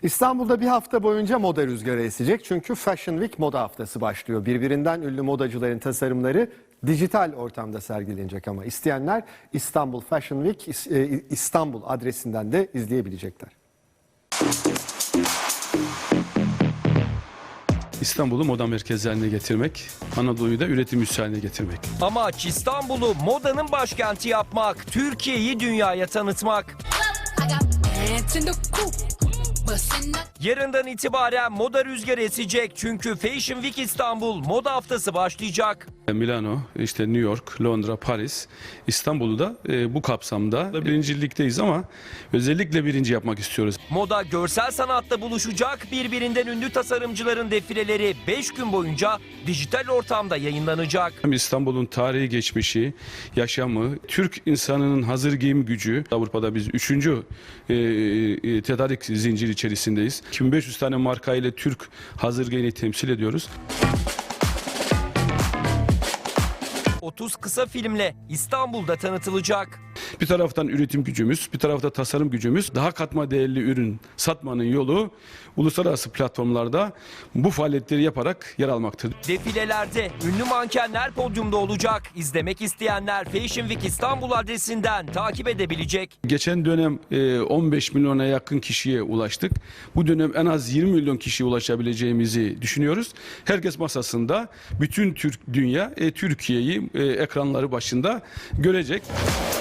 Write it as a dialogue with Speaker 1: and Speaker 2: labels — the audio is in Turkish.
Speaker 1: İstanbul'da bir hafta boyunca moda rüzgarı esecek çünkü Fashion Week moda haftası başlıyor. Birbirinden ünlü modacıların tasarımları dijital ortamda sergilenecek ama isteyenler İstanbul Fashion Week İstanbul adresinden de izleyebilecekler.
Speaker 2: İstanbul'u moda merkezi haline getirmek, Anadolu'yu da üretim üssü haline getirmek.
Speaker 3: Amaç İstanbul'u modanın başkenti yapmak, Türkiye'yi dünyaya tanıtmak. Yarından itibaren moda rüzgarı esecek çünkü Fashion Week İstanbul moda haftası başlayacak.
Speaker 2: Milano, işte New York, Londra, Paris, İstanbul'u da bu kapsamda birincilikteyiz ama özellikle birinci yapmak istiyoruz.
Speaker 3: Moda görsel sanatta buluşacak, birbirinden ünlü tasarımcıların defileleri 5 gün boyunca dijital ortamda yayınlanacak.
Speaker 2: İstanbul'un tarihi geçmişi, yaşamı, Türk insanının hazır giyim gücü. Avrupa'da biz 3. tedarik zinciri içerisindeyiz. 2500 tane marka ile Türk hazır giyini temsil ediyoruz.
Speaker 3: 30 kısa filmle İstanbul'da tanıtılacak.
Speaker 2: Bir taraftan üretim gücümüz, bir tarafta tasarım gücümüz. Daha katma değerli ürün satmanın yolu uluslararası platformlarda bu faaliyetleri yaparak yer almaktır.
Speaker 3: Defilelerde ünlü mankenler podyumda olacak. İzlemek isteyenler Fashion Week İstanbul adresinden takip edebilecek.
Speaker 2: Geçen dönem 15 milyona yakın kişiye ulaştık. Bu dönem en az 20 milyon kişiye ulaşabileceğimizi düşünüyoruz. Herkes masasında bütün dünya Türkiye'yi ekranları başında görecek.